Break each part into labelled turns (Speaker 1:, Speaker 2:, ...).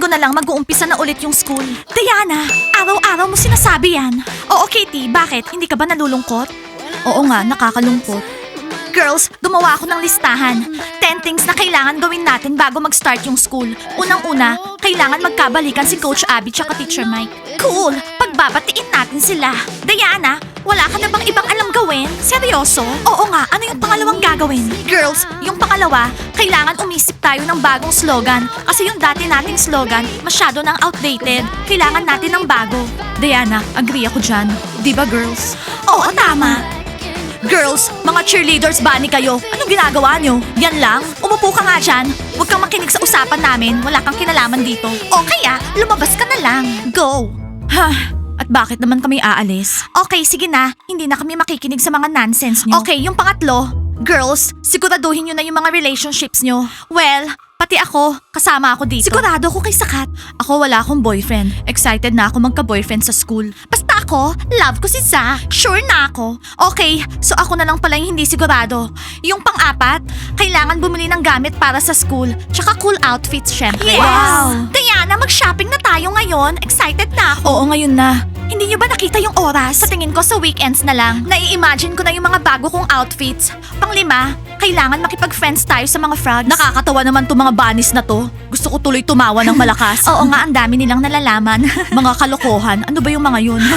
Speaker 1: na lang mag-uumpisa na ulit yung school. Diana, araw-araw mo sinasabi yan. Oo, Katie, bakit? Hindi ka ba nalulungkot? Oo nga, nakakalungkot. Girls, gumawa ako ng listahan. 10 things na kailangan gawin natin bago mag-start yung school. Unang-una, kailangan magkabalikan si Coach Abby tsaka Teacher Mike. Cool! Pagbabatiin natin sila. Diana, wala ka na bang ibang alam gawin? Seryoso? Oo nga, ano yung pangalawang gagawin? Girls, yung pangalawa, kailangan umisip tayo ng bagong slogan. Kasi yung dati nating slogan, masyado nang outdated. Kailangan natin ng bago. Diana, agree ako dyan. Di ba, girls? Oo, tama. Girls, mga cheerleaders ba ni kayo? Anong ginagawa nyo? Yan lang? Umupo ka nga dyan. Huwag kang makinig sa usapan namin. Wala kang kinalaman dito. O kaya, lumabas ka na lang. Go! Ha? At bakit naman kami aalis? Okay, sige na. Hindi na kami makikinig sa mga nonsense nyo. Okay, yung pangatlo. Girls, siguraduhin nyo na yung mga relationships nyo. Well, pati ako, kasama ako dito. Sigurado ako kay Sakat. Ako wala akong boyfriend. Excited na ako magka-boyfriend sa school. Basta ako, love ko si Zach. Sure na ako. Okay, so ako na lang pala yung hindi sigurado. Yung pang-apat, kailangan bumili ng gamit para sa school. Tsaka cool outfits, syempre.
Speaker 2: Yes!
Speaker 1: Wow! Diana, mag-shopping na tayo ngayon. Excited na ako. Oo, ngayon na. Hindi niyo ba nakita yung oras? Sa tingin ko sa weekends na lang. Nai-imagine ko na yung mga bago kong outfits. Pang-lima, kailangan makipag-friends tayo sa mga frogs. Nakakatawa naman to mga bunnies na to. Gusto ko tuloy tumawa ng malakas. Oo nga, ang dami nilang nalalaman. Mga kalokohan. Ano ba yung mga yun?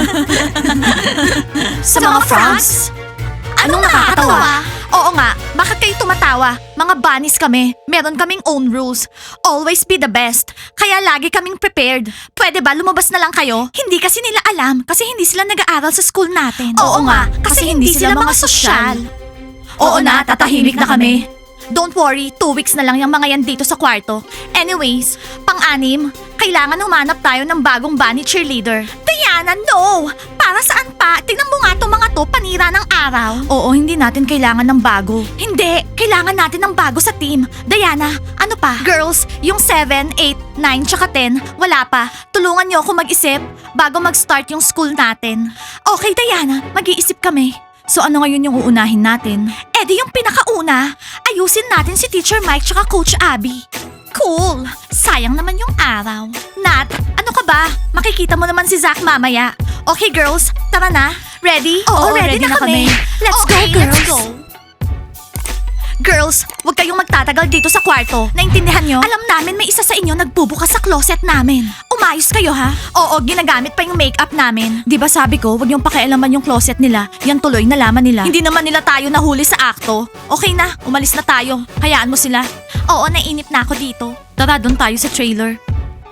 Speaker 1: Sa mga frogs? Anong nakakatawa? Oo nga, bakit kayo tumatawa? Mga bunnies kami. Meron kaming own rules. Always be the best. Kaya lagi kaming prepared. Pwede ba lumabas na lang kayo? Hindi kasi nila alam kasi hindi sila nag-aaral sa school natin. Oo nga, kasi hindi sila mga sosyal. Oo na, tatahimik na kami. Don't worry, 2 weeks na lang yung mga yan dito sa kwarto. Anyways, pang-anim, kailangan humanap tayo ng bagong bunny cheerleader. Diana, no! Para saan pa? Tingnan mo nga itong mga to, panira ng araw. Oo, hindi natin kailangan ng bago. Hindi, kailangan natin ng bago sa team. Diana, ano pa? Girls, yung 7, 8, 9, tsaka 10, wala pa. Tulungan niyo ako mag-isip bago mag-start yung school natin. Okay, Diana, mag-iisip kami. So ano ngayon yung uunahin natin? Eh di yung pinakauna, ayusin natin si Teacher Mike tsaka Coach Abby. Cool! Sayang naman yung araw. Nat, ano ka ba? Makikita mo naman si Zach mamaya. Okay girls, tara na. Ready? Oo, ready na kami. Let's go, girls. Let's go. Girls, huwag kayong magtatagal dito sa kwarto. Naintindihan nyo? Alam namin may isa sa inyo nagbubukas sa closet namin. Umayos kayo ha? Oo, ginagamit pa yung makeup namin. Di ba sabi ko, huwag yung pakialaman yung closet nila. Yan tuloy, nalaman nila. Hindi naman nila tayo nahuli sa akto. Okay na, umalis na tayo. Hayaan mo sila. Oo, nainip na ako dito. Tara, doon tayo sa trailer.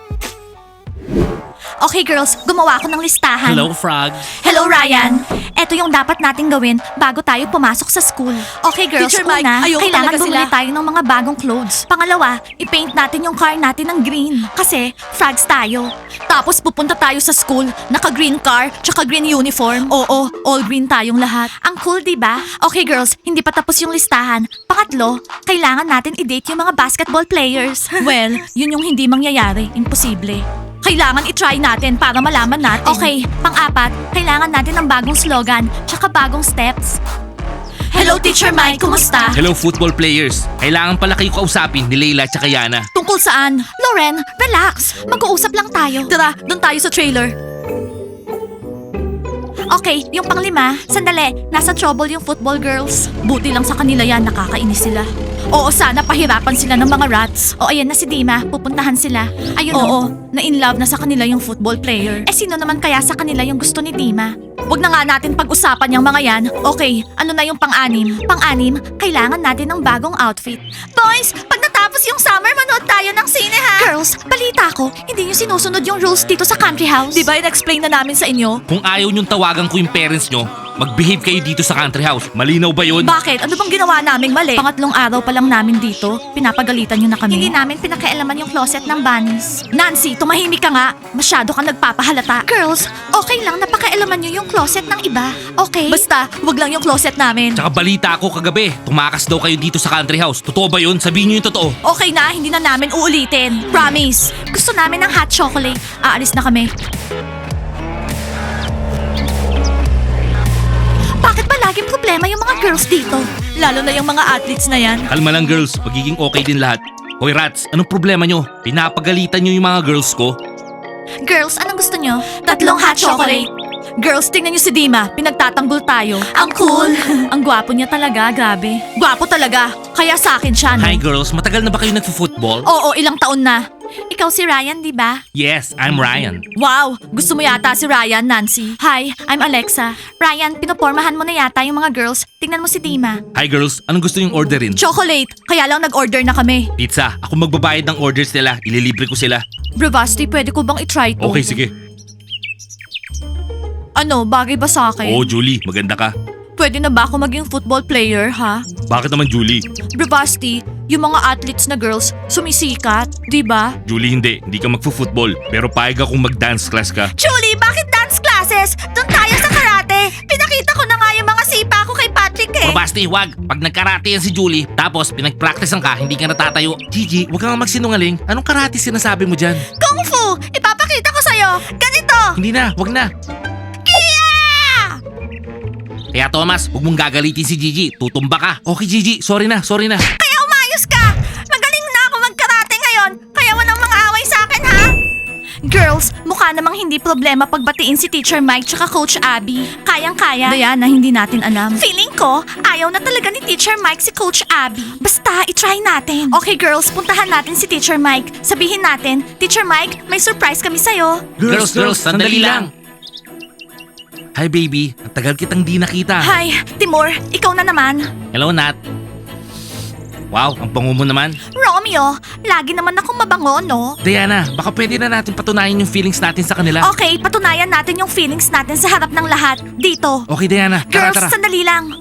Speaker 1: Okay girls, gumawa ako ng listahan.
Speaker 2: Hello, Frog.
Speaker 1: Hello, Ryan! Ito yung dapat nating gawin bago tayo pumasok sa school. Okay, girls,
Speaker 2: Teacher Mike,
Speaker 1: una,
Speaker 2: ayoko
Speaker 1: kailangan
Speaker 2: talaga
Speaker 1: bumili
Speaker 2: sila.
Speaker 1: tayo ng mga bagong clothes. Pangalawa, i-paint natin yung car natin ng green. Kasi, frogs tayo. Tapos pupunta tayo sa school, naka-green car, tsaka green uniform. Oo, all green tayong lahat. Ang cool, di ba? Okay, girls, hindi pa tapos yung listahan. Pangatlo, kailangan natin i-date yung mga basketball players. Well, yun yung hindi mangyayari. Imposible. Kailangan i-try natin para malaman natin. Okay, pang-apat, kailangan natin ng bagong slogan, tsaka bagong steps. Hello, Teacher Mike, kumusta?
Speaker 2: Hello, football players. Kailangan pala kayo kausapin ni Leila at Yana.
Speaker 1: Tungkol saan? Loren, relax. Mag-uusap lang tayo. Tara, doon tayo sa trailer. Okay, yung panglima, sandali, nasa trouble yung football girls. Buti lang sa kanila yan, nakakainis sila. Oo, sana pahirapan sila ng mga rats. O ayan na si Dima, pupuntahan sila. Ayun Oo, na-in-love na sa kanila yung football player. Eh sino naman kaya sa kanila yung gusto ni Dima? Huwag na nga natin pag-usapan yung mga yan. Okay, ano na yung pang-anim? Pang-anim, kailangan natin ng bagong outfit. Boys, pag natapos yung summer, manood tayo ng sine ha? Girls, balita ko, hindi nyo sinusunod yung rules dito sa country house. Di ba in-explain na namin sa inyo?
Speaker 2: Kung ayaw niyong tawagan ko yung parents nyo, mag-behave kayo dito sa country house. Malinaw ba yun?
Speaker 1: Bakit? Ano bang ginawa naming mali? Pangatlong araw pa lang namin dito. Pinapagalitan nyo na kami. Hindi namin pinakialaman yung closet ng bunnies. Nancy, tumahimik ka nga. Masyado kang nagpapahalata. Girls, okay lang na pakialaman nyo yung closet ng iba. Okay? Basta, wag lang yung closet namin.
Speaker 2: Tsaka balita ko kagabi, tumakas daw kayo dito sa country house. Totoo ba yun? Sabihin nyo yung totoo.
Speaker 1: Okay na, hindi na namin uulitin. Promise. Gusto namin ng hot chocolate. Aalis na kami. Bakit ba laging problema yung mga girls dito? Lalo na yung mga athletes na yan.
Speaker 2: Kalma lang girls, magiging okay din lahat. Hoy rats, anong problema nyo? Pinapagalitan nyo yung mga girls ko?
Speaker 1: Girls, anong gusto nyo? 3 hot chocolate. Girls, tingnan nyo si Dima. Pinagtatanggol tayo. Ang cool. Ang gwapo niya talaga, grabe. Gwapo talaga. Kaya sa akin siya, no?
Speaker 2: Hi girls, matagal na ba kayo nagfo-football?
Speaker 1: Oo, ilang taon na. Ikaw si Ryan, di ba?
Speaker 2: Yes, I'm Ryan.
Speaker 1: Wow! Gusto mo yata si Ryan, Nancy. Hi, I'm Alexa. Ryan, pinopormahan mo na yata yung mga girls. Tingnan mo si Dima.
Speaker 2: Hi girls, anong gusto yung orderin?
Speaker 1: Chocolate. Kaya lang nag-order na kami.
Speaker 2: Pizza, ako magbabayad ng orders nila. Ililibre ko sila.
Speaker 1: Bravasti, pwede ko bang itry to?
Speaker 2: Okay, sige.
Speaker 1: Ano, bagay ba sa akin?
Speaker 2: Oo, Julie, maganda ka.
Speaker 1: Pwede na ba ako maging football player, ha?
Speaker 2: Bakit naman Julie?
Speaker 1: Bravasti, yung mga athletes na girls, sumisikat, di ba?
Speaker 2: Julie, hindi ka magfo-football. Pero paig akong mag-dance class ka.
Speaker 1: Julie, bakit dance classes? Doon tayo sa karate. Pinakita ko na nga yung mga sipa ko kay Patrick eh.
Speaker 2: Basti, wag. Pag nagkarate yan si Julie, tapos pinag-practicean ka, hindi ka natatayo. Gigi, wag kang magsinungaling. Anong karate sinasabi mo dyan?
Speaker 1: Kung Fu, ipapakita ko sa'yo. Ganito.
Speaker 2: Hindi na, wag na.
Speaker 1: Kia!
Speaker 2: Kaya Thomas, huwag mong gagalitin si Gigi. Tutumba ka. Okay Gigi, sorry na.
Speaker 1: Kaya umayos ka. Magaling na ako magkarate ngayon. Kaya walang mga away sa akin, ha? Girls, mukha namang hindi problema pagbatiin si Teacher Mike tsaka Coach Abby. Kayang-kaya. Diana, hindi natin alam. Feeling ko, ayaw na talaga ni Teacher Mike si Coach Abby. Basta, itry natin. Okay girls, puntahan natin si Teacher Mike. Sabihin natin, Teacher Mike, may surprise kami sa'yo.
Speaker 2: Girls, sandali lang. Hi baby, ang tagal kitang di nakita.
Speaker 1: Hi, Timur, ikaw na naman.
Speaker 2: Hello Nat. Wow, ang bango mo naman.
Speaker 1: Romeo, lagi naman akong mabango, no?
Speaker 2: Diana, baka pwede na natin patunayan yung feelings natin sa kanila.
Speaker 1: Okay, patunayan natin yung feelings natin sa harap ng lahat. Dito.
Speaker 2: Okay Diana, tara.
Speaker 1: Girls, sandali lang.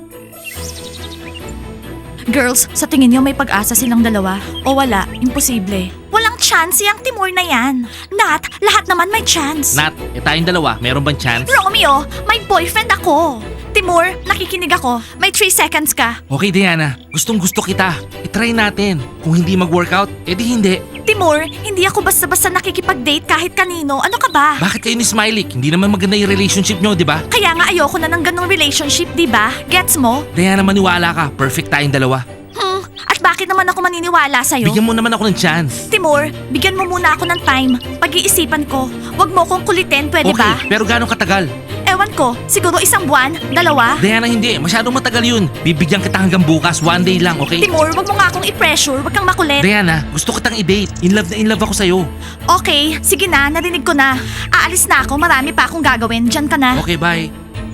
Speaker 1: Girls, sa tingin niyo may pag-asa silang dalawa? O wala? Imposible. Walang chance yung Timur na yan. Nat, lahat naman may chance.
Speaker 2: Nat, tayong dalawa, meron bang chance?
Speaker 1: Romeo, may boyfriend ako. Timur, nakikinig ako. May 3 seconds ka.
Speaker 2: Okay Diana, gustong gusto kita. I-try natin. Kung hindi mag-workout, edi hindi.
Speaker 1: Timur, hindi ako basta-basta nakikipag-date kahit kanino. Ano ka ba?
Speaker 2: Bakit kayo ni Smiley? Hindi naman maganda yung relationship nyo, di ba?
Speaker 1: Kaya nga ayoko na ng ganong relationship, di ba? Gets mo?
Speaker 2: Diana, maniwala ka. Perfect tayong dalawa.
Speaker 1: At bakit naman ako maniniwala sa'yo?
Speaker 2: Bigyan mo naman ako ng chance.
Speaker 1: Timur, bigyan mo muna ako ng time. Pag-iisipan ko. Huwag mo kong kulitin, pwede
Speaker 2: Okay,
Speaker 1: ba?
Speaker 2: pero gano'ng katagal?
Speaker 1: Ewan ko, siguro 1 buwan, 2.
Speaker 2: Diana, hindi. Masyadong matagal yun. Bibigyan kita hanggang bukas. 1 day lang, okay?
Speaker 1: Timur, wag mo nga akong i-pressure. Wag kang makulit.
Speaker 2: Diana, gusto kitang i-date. In love ako sa'yo.
Speaker 1: Okay, sige na, narinig ko na. Aalis na ako, marami pa akong gagawin. Diyan ka na.
Speaker 2: Okay, bye.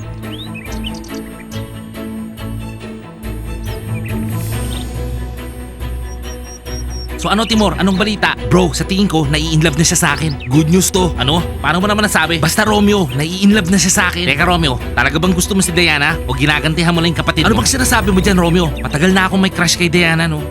Speaker 2: So ano Timor, anong balita? Bro, sa tingin ko, nai-inlove na siya sa akin. Good news to. Ano? Paano mo naman nasabi? Basta Romeo, nai-inlove na siya sa akin. Teka Romeo, talaga bang gusto mo si Diana? O ginagantihan mo lang yung kapatid mo? Ano bang sinasabi mo dyan Romeo? Matagal na akong may crush kay Diana, no?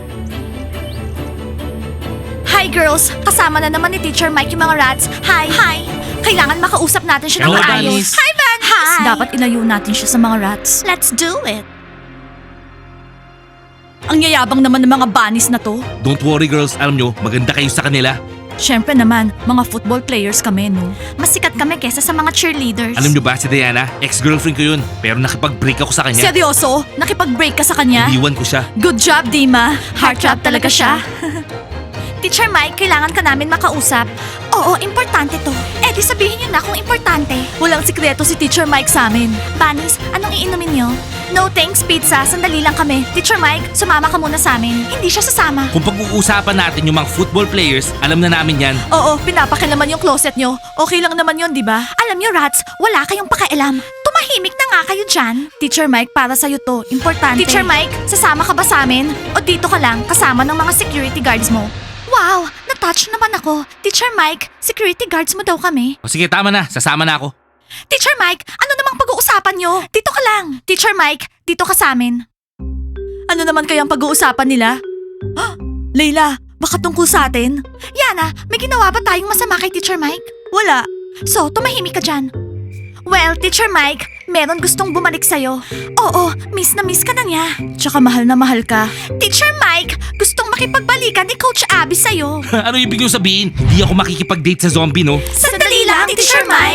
Speaker 1: Hi girls, kasama na naman ni Teacher Mike yung mga rats. Hi. Hi. Kailangan makausap natin siya ng
Speaker 2: Hello,
Speaker 1: maayos.
Speaker 2: Bunnies.
Speaker 1: Hi, Bunnies. Hi. Dapat ilayo natin siya sa mga rats. Let's do it. Ang yayabang naman ng mga bunnies na to.
Speaker 2: Don't worry girls, alam nyo, maganda kayo sa kanila.
Speaker 1: Siyempre naman, mga football players kami, no? Mas sikat kami kesa sa mga cheerleaders.
Speaker 2: Alam nyo ba si Diana? Ex-girlfriend ko yun. Pero nakipag-break ako sa kanya.
Speaker 1: Seryoso? Nakipag-break ka sa kanya?
Speaker 2: Iniwan ko siya.
Speaker 1: Good job, Dima. Heartthrob talaga siya. Teacher Mike, kailangan ka namin makausap. Oo, importante to. Eh di sabihin niyo na kung importante. Walang sikreto si Teacher Mike sa amin. Bunnies, anong iinumin niyo? No thanks, pizza. Sandali lang kami. Teacher Mike, sumama ka muna sa amin. Hindi siya sasama.
Speaker 2: Kung pag-uusapan natin yung mga football players, alam na namin yan.
Speaker 1: Oo, pinapakilaman yung closet niyo. Okay lang naman yun, di ba? Alam niyo, rats, wala kayong pakialam. Tumahimik na nga kayo dyan. Teacher Mike, para sa'yo to. Importante. Teacher Mike, sasama ka ba sa amin? O dito ka lang, kasama ng mga security guards mo? Wow, na-touch naman ako. Teacher Mike, security guards mo daw kami.
Speaker 2: O sige, tama na. Sasama na ako.
Speaker 1: Teacher Mike, ano namang pag-uusapan nyo? Dito ka lang. Teacher Mike, dito ka sa amin. Ano naman kayang pag-uusapan nila? Layla, baka tungkol sa atin? Yana, may ginawa ba tayong masama kay Teacher Mike? Wala. So, tumahimik ka dyan. Well, Teacher Mike, meron gustong bumalik sa'yo. Oo, miss na miss ka na niya. Tsaka mahal na mahal ka. Teacher Mike, gustong makipagbalikan ni Coach Abby sa'yo.
Speaker 2: Ano ibig nyo sabihin? Hindi ako makikipag-date sa zombie, no?
Speaker 1: Sandali lang, Teacher Mike.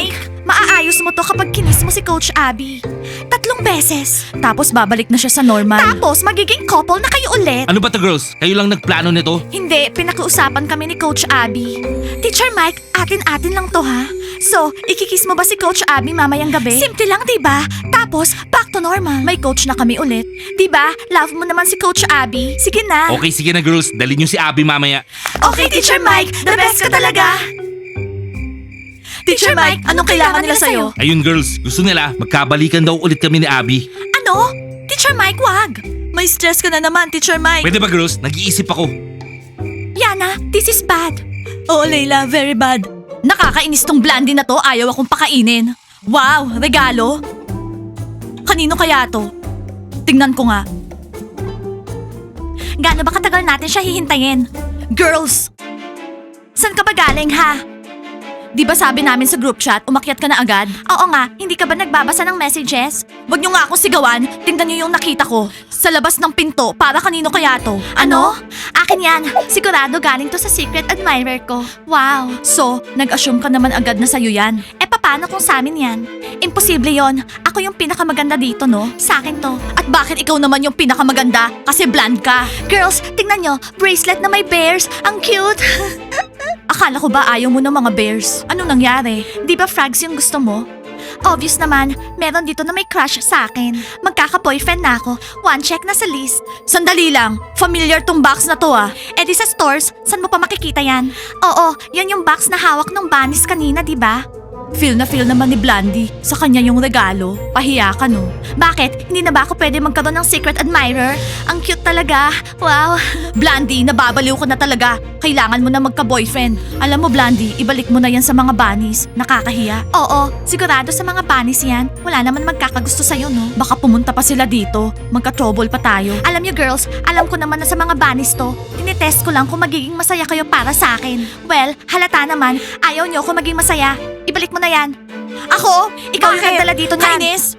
Speaker 1: Maaayos mo to kapag kinis mo si Coach Abby. 3 beses. Tapos babalik na siya sa normal. Tapos magiging couple na kayo ulit.
Speaker 2: Ano ba to girls? Kayo lang nagplano nito?
Speaker 1: Hindi, pinakiusapan kami ni Coach Abby. Teacher Mike, atin-atin lang to ha. So, ikikiss mo ba si Coach Abby mamayang gabi? Simple lang, diba? Tapos, back to normal. May coach na kami ulit. Diba? Love mo naman si Coach Abby. Sige na.
Speaker 2: Okay, sige na girls. Dalhin niyo si Abby mamaya.
Speaker 1: Okay, Teacher Mike. The best ka talaga. Teacher Mike, anong kailangan nila sa'yo?
Speaker 2: Ayun girls, gusto nila magkabalikan daw ulit kami ni Abby.
Speaker 1: Ano? Teacher Mike, wag. May stress ka na naman, Teacher Mike.
Speaker 2: Pwede ba girls? Nag-iisip ako.
Speaker 1: Yana, this is bad. Oo, Layla, very bad. Nakakainis tong Blandy na to, ayaw akong pakainin. Wow, regalo? Kanino kaya to? Tingnan ko nga. Gaano ba katagal natin siya hihintayin? Girls! San ka ba galing ha? Di ba sabi namin sa group chat, umakyat ka na agad? Oo nga, hindi ka ba nagbabasa ng messages? Huwag niyo nga akong sigawan, tingnan niyo yung nakita ko. Sa labas ng pinto, para kanino kaya to? Ano? Akin yan. Sigurado galing to sa secret admirer ko. Wow. So, nag-assume ka naman agad na sa'yo yan. Eh paano kung sa amin yan? Imposible yon. Ako yung pinakamaganda dito, no? Sa akin to. At bakit ikaw naman yung pinakamaganda? Kasi blonde ka. Girls, tingnan nyo, bracelet na may bears. Ang cute. Akala ko ba ayaw mo ng mga bears? Anong nangyari? Di ba frogs yung gusto mo? Obvious naman, meron dito na may crush sa akin. Magkaka-boyfriend na ako. One check na sa list. Sandali lang, familiar tong box na to ah. Eh di sa stores, saan mo pa makikita yan? Oo, yan yung box na hawak ng bunnies kanina, di ba? Feel na feel naman ni Blandy. Sa kanya yung regalo. Pahiya ka, no? Bakit? Hindi na ba ako pwede magkaroon ng secret admirer? Ang cute talaga. Wow. Blandy, nababaliw ka na talaga. Kailangan mo na magka-boyfriend. Alam mo, Blandy, ibalik mo na yan sa mga bunnies. Nakakahiya. Oo, sigurado sa mga bunnies yan. Wala naman magkakagusto sa'yo, no? Baka pumunta pa sila dito. Magka-trouble pa tayo. Alam niyo, girls, alam ko naman na sa mga bunnies to. Tinitest ko lang kung magiging masaya kayo para sa akin. Well, halata naman. Ayaw niyo ako maging masaya. Ibalik mo na yan. Ako? Ikaw yung nagdala dito niyan. Kainis?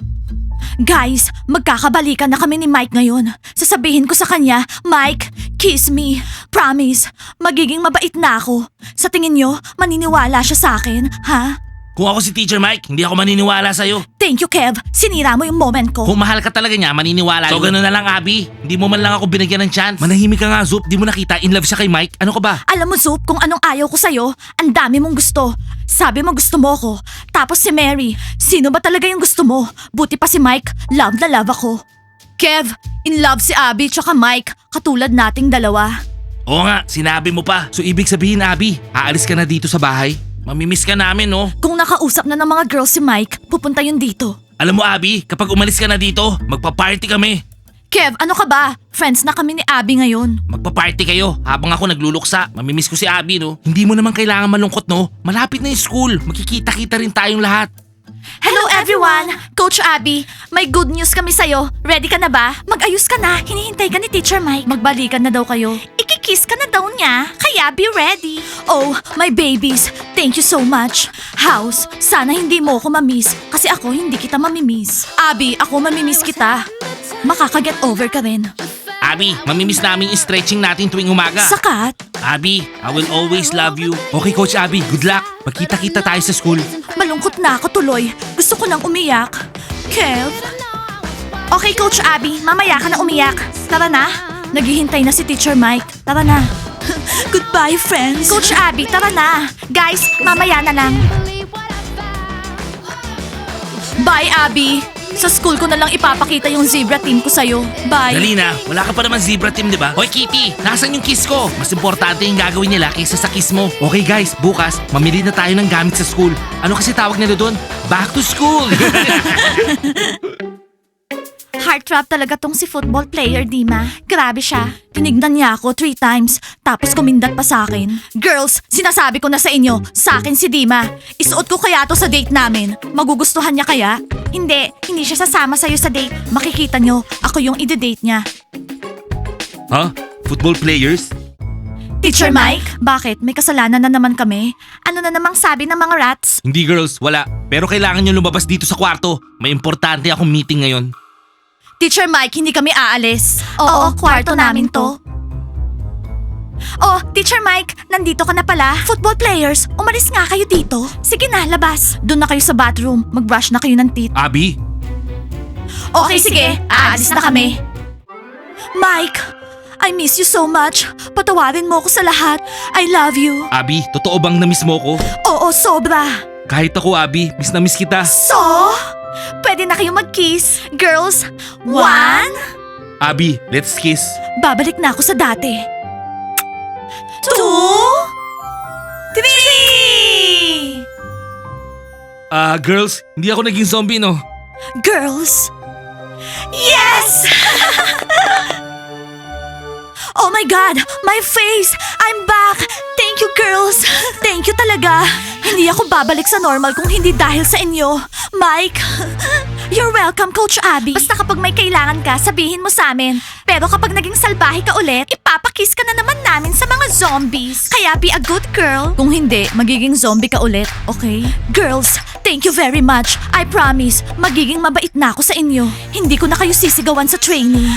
Speaker 1: Guys, magkakabalikan na kami ni Mike ngayon. Sasabihin ko sa kanya, Mike, kiss me. Promise, magiging mabait na ako. Sa tingin nyo, maniniwala siya sa akin, ha?
Speaker 2: Kung ako si Teacher Mike, hindi ako maniniwala sa'yo.
Speaker 1: Thank you, Kev. Sinira mo yung moment ko.
Speaker 2: Kung mahal ka talaga niya, maniniwala. So gano'n na lang, Abby. Hindi mo man lang ako binigyan ng chance. Manahimik ka nga, Zoop. Di mo nakita, in love siya kay Mike. Ano ka ba?
Speaker 1: Alam mo, Zoop, kung anong ayaw ko sa'yo, ang dami mong gusto. Sabi mo gusto mo ko. Tapos si Mary, sino ba talaga yung gusto mo? Buti pa si Mike, love na love ako. Kev, in love si Abby tsaka Mike, katulad nating dalawa.
Speaker 2: Oo nga, sinabi mo pa. So ibig sabihin, Abby, aalis ka na dito sa bahay? Mamimiss ka namin, no?
Speaker 1: Kung nakausap na ng mga girls si Mike, pupunta yun dito.
Speaker 2: Alam mo, Abby, kapag umalis ka na dito, magpa-party kami.
Speaker 1: Kev, ano ka ba? Friends na kami ni Abby ngayon.
Speaker 2: Magpa-party kayo habang ako nagluluksa. Mamimiss ko si Abby, no? Hindi mo naman kailangan malungkot, no? Malapit na yung school. Magkikita-kita rin tayong lahat.
Speaker 1: Hello everyone! Coach Abby, may good news kami sa'yo. Ready ka na ba? Mag-ayos ka na. Hinihintay ka ni Teacher Mike. Magbalikan na daw kayo. Ikikiss ka na daw niya. Kaya be ready. Oh, my babies. Thank you so much. House, sana hindi mo ako mamiss. Kasi ako hindi kita mamimiss. Abby, ako mamimiss kita. Makaka-get over ka rin.
Speaker 2: Abby, mamimiss namin yung stretching natin tuwing umaga.
Speaker 1: Sakat?
Speaker 2: Abby, I will always love you. Okay, Coach Abby, good luck. Magkita-kita tayo sa school.
Speaker 1: Malungkot na ako tuloy. Gusto ko nang umiyak. Kev? Okay, Coach Abby. Mamaya ka na umiyak. Tara na. Naghihintay na si Teacher Mike. Tara na. Goodbye, friends. Coach Abby, tara na. Guys, mamaya na lang. Bye, Abby. Sa school ko na lang ipapakita yung zebra team ko sa'yo. Bye.
Speaker 2: Dali na, wala ka pa naman zebra team, di ba? Hoy, Kitty, nasan yung kiss ko? Mas importante yung gagawin nila kaysa sa kiss mo. Okay guys, bukas, mamili na tayo ng gamit sa school. Ano kasi tawag nila doon? Back to school!
Speaker 1: Heartthrob talaga tong si football player, Dima. Grabe siya. Tinignan niya ako 3 times, tapos kumindat pa sa akin. Girls, sinasabi ko na sa inyo, sa akin si Dima. Isuot ko kaya to sa date namin. Magugustuhan niya kaya? Hindi siya sasama sa'yo sa date. Makikita nyo, ako yung ide-date niya.
Speaker 2: Huh? Football players?
Speaker 1: Teacher Mike? Bakit? May kasalanan na naman kami? Ano na namang sabi ng mga rats?
Speaker 2: Hindi girls, wala. Pero kailangan nyo lumabas dito sa kwarto. May importante akong meeting ngayon.
Speaker 1: Teacher Mike, hindi kami aalis. Oo, kwarto namin to. Oh, Teacher Mike, nandito ka na pala. Football players, umalis nga kayo dito. Sige na, labas. Doon na kayo sa bathroom. Mag-brush na kayo ng teeth.
Speaker 2: Abby,
Speaker 1: Okay, sige. Aalis na kami. Mike, I miss you so much. Patawarin mo ako sa lahat. I love you.
Speaker 2: Abby, totoo bang na-miss mo ko?
Speaker 1: Oo, sobra.
Speaker 2: Kahit ako, Abby, miss na miss kita.
Speaker 1: So, pwede na kayo mag-kiss. Girls, 1.
Speaker 2: Abby, let's kiss.
Speaker 1: Babalik na ako sa dati. 2, 3.
Speaker 2: Girls, hindi ako naging zombie, no?
Speaker 1: Girls. Yes! Oh my God! My face! I'm back! Thank you, girls! Thank you talaga! Hindi ako babalik sa normal kung hindi dahil sa inyo. Mike! You're welcome, Coach Abby. Basta kapag may kailangan ka, sabihin mo sa amin. Pero kapag naging salbahe ka ulit, ipapakiss ka na naman namin sa mga zombies. Kaya be a good girl. Kung hindi, magiging zombie ka ulit, okay? Girls, thank you very much. I promise, magiging mabait na ako sa inyo. Hindi ko na kayo sisigawan sa training.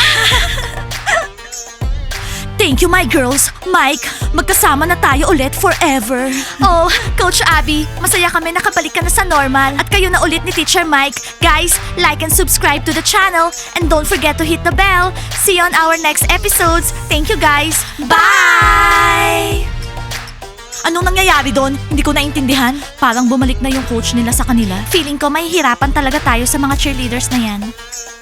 Speaker 1: Thank you, my girls. Mike, magkasama na tayo ulit forever. Oh, Coach Abby, masaya kami nakabalik ka na sa normal. At kayo na ulit ni Teacher Mike. Guys, like and subscribe to the channel. And don't forget to hit the bell. See you on our next episodes. Thank you, guys. Bye! Anong nangyayari doon? Hindi ko naintindihan. Parang bumalik na yung coach nila sa kanila. Feeling ko may hirapan talaga tayo sa mga cheerleaders na yan.